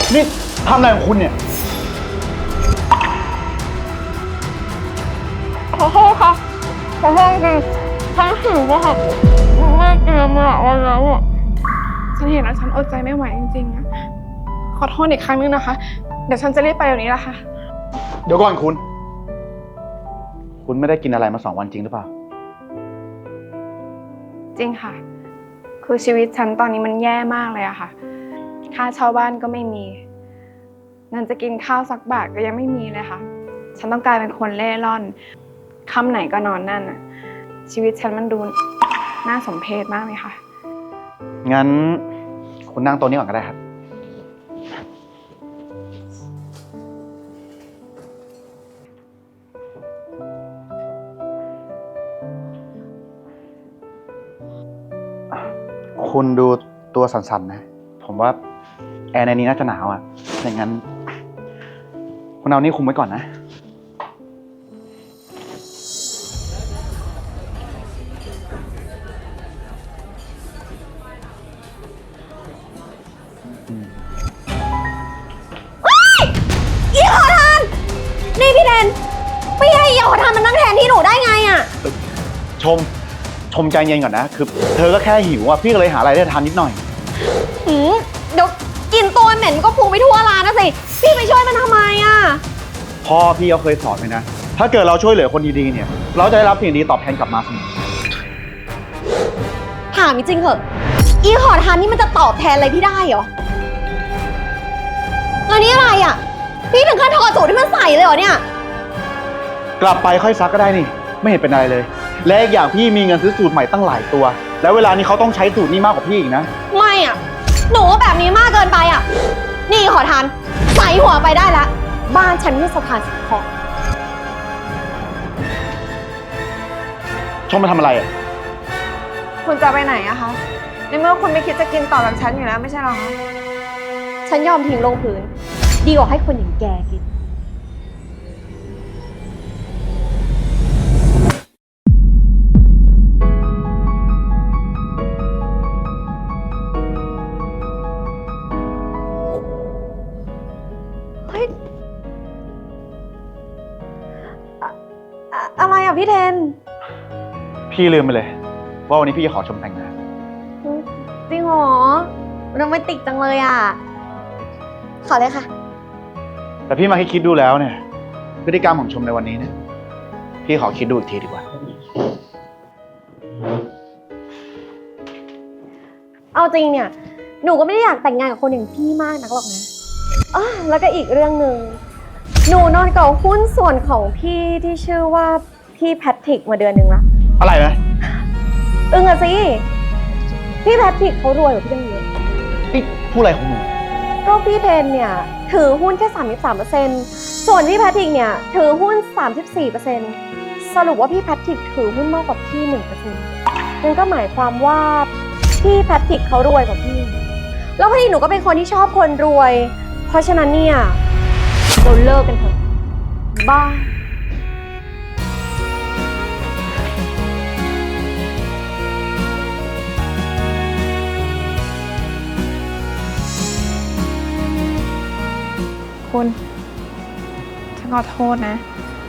นี่ทำอะไรของคุณเนี่ยขอโทษค่ะขอโทษจริงฉันหิวอะค่ะแม่กินมาหลายวันแล้วอะฉันเห็นแล้วฉันอดใจไม่ไหวจริงๆอะขอโทษอีกครั้งนึงนะคะ เดี๋ยวฉันจะรีบไปเดี๋ยวนี้ละค่ะเดี๋ยวก่อนคุณ คุณไม่ได้กินอะไรมา2 วันจริงหรือเปล่าจริงค่ะ คือชีวิตฉันตอนนี้มันแย่มากเลยอะค่ะ ค่าเช่าบ้านก็ไม่มี เงินจะกินข้าวสักบาทก็ยังไม่มีเลยค่ะ ฉันต้องกลายเป็นคนเล่ร่อนค่ำไหนก็นอนนั่นอะชีวิตฉันมันดูน่าสมเพชมากเลยค่ะงั้นคุณนั่งโต๊ะนี้ก่อนก็ได้ครับ คุณดูตัวสั่นๆนะ ผมว่าแอร์ในนี้น่าจะหนาวอ่ะอย่างนั้น คุณเอานี่คุมไว้ก่อนนะอีขอทานนี่พี่เดนไม่ให้อีขอทานมันนั่งแทนที่หนูได้ไงอะชมใจเย็นก่อนนะ คือเธอก็แค่หิวอ่ะ พี่ก็เลยหาอะไรได้ทานนิดหน่อยเดี๋ยวกินตัวเหม็นก็พุงไปทั่วร้านนะสิพี่ไปช่วยมันทำไมอะพ่อพี่เขาเคยสอนไว้นะ ถ้าเกิดเราช่วยเหลือคนดีๆเนี่ย เราจะได้รับสิ่งดีตอบแทนกลับมาเสมอถามจริงเหอะอีขอทานนี่มันจะตอบแทนอะไรพี่ได้เหรอแล้วนี่อะไรอะพี่ถึงขั้นถอดสูตรที่มันใส่เลยเหรอเนี่ยกลับไปค่อยซักก็ได้นี่ ไม่เห็นเป็นอะไรเลย และอีกอย่างพี่มีเงินซื้อสูตรใหม่ตั้งหลายตัว แล้วเวลานี้เขาต้องใช้สูตรนี้มากกว่าพี่อีกนะไม่อะหนูว่าแบบนี้มากเกินไปอะนี่ขอทานใส่หัวไปได้แล้วบ้านฉันไม่สถานสงเคราะห์ชมมาทำอะไรอ่ะคุณจะไปไหนอะคะ ในเมื่อคุณไม่คิดจะกินต่อแบบฉันอยู่แล้วไม่ใช่หรอคะฉันยอมทิ้งลงพื้นดีกว่าให้คนอย่างแกกินเฮ้ยอะไรอ่ะพี่เทนพี่ลืมไปเลย ว่าวันนี้พี่จะขอชมแต่งงานจริงเหรอโรแมนติกจังเลยอ่ะ ขอเลยค่ะแต่พี่มาคิดดูแล้วเนี่ย พฤติกรรมของชมในวันนี้เนี่ย พี่ขอคิดดูอีกทีดีกว่าเอาจริงเนี่ย หนูก็ไม่ได้อยากแต่งงานกับคนอย่างพี่มากนักหรอกนะแล้วก็อีกเรื่องหนึ่งหนูนอนกับหุ้นส่วนของพี่ที่ชื่อว่าพี่แพทริกมาเดือนหนึ่งละอะไรนะอะสิ พี่แพทริกเขารวยกว่าพี่ตั้งเยอะนี่พูดอะไรของหนูก็พี่เทนเนี่ยถือหุ้นแค่ 33%ส่วนพี่แพทริกเนี่ยถือหุ้น 34%สรุปว่าพี่แพทริกถือหุ้นมากกว่าพี่ 1%นั่นก็หมายความว่าพี่แพทริกเขารวยกว่าพี่ แล้วพอดีหนูก็เป็นคนที่ชอบคนรวย เพราะฉะนั้นเนี่ยเราเลิกกันเถอะบ้าคุณ ฉันขอโทษนะ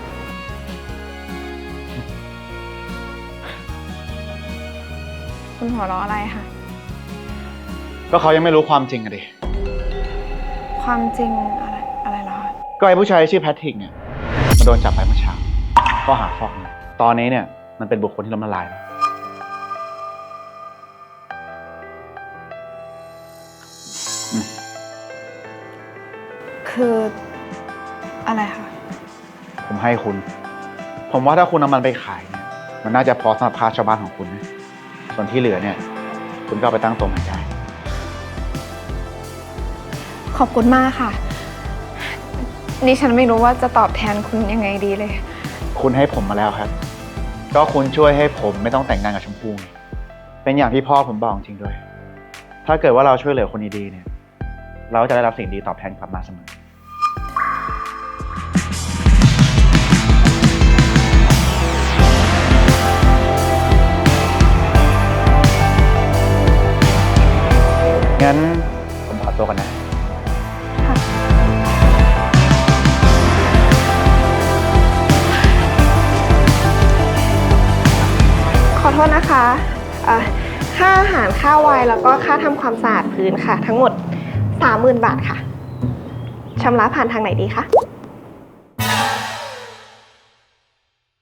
คุณหัวเราะอะไรคะก็เขายังไม่รู้ความจริงอะดิความจริงอะไรเหรอคะก็ไอ้ผู้ชายชื่อแพทริกเนี่ยมันโดนจับไปเมื่อเช้าข้อหาฟอกเงินตอนนี้เนี่ยมันเป็นบุคคลที่ล้มละลายแล้วคืออะไรคะผมให้คุณ ผมว่าถ้าคุณเอามันไปขายเนี่ย มันน่าจะพอสำหรับค่าชาวบ้านของคุณนะ ส่วนที่เหลือเนี่ย คุณก็เอาไปตั้งตรงไหนได้ขอบคุณมากค่ะ นี่ฉันไม่รู้ว่าจะตอบแทนคุณยังไงดีเลยคุณให้ผมมาแล้วครับ ก็คุณช่วยให้ผมไม่ต้องแต่งงานกับชมพู่ไงเป็นอย่างที่พ่อผมบอกจริงด้วย ถ้าเกิดว่าเราช่วยเหลือคนดีๆเนี่ย เราจะได้รับสิ่งดีตอบแทนกลับมาเสมอ งั้นผมขอตัวก่อนนะค่ะษนะคะค่าอาหารค่าไวน์แล้วก็ค่าทำความสะอาดพื้นค่ะ ทั้งหมด 30,000 บาทค่ะชำระผ่านทางไหนดีคะ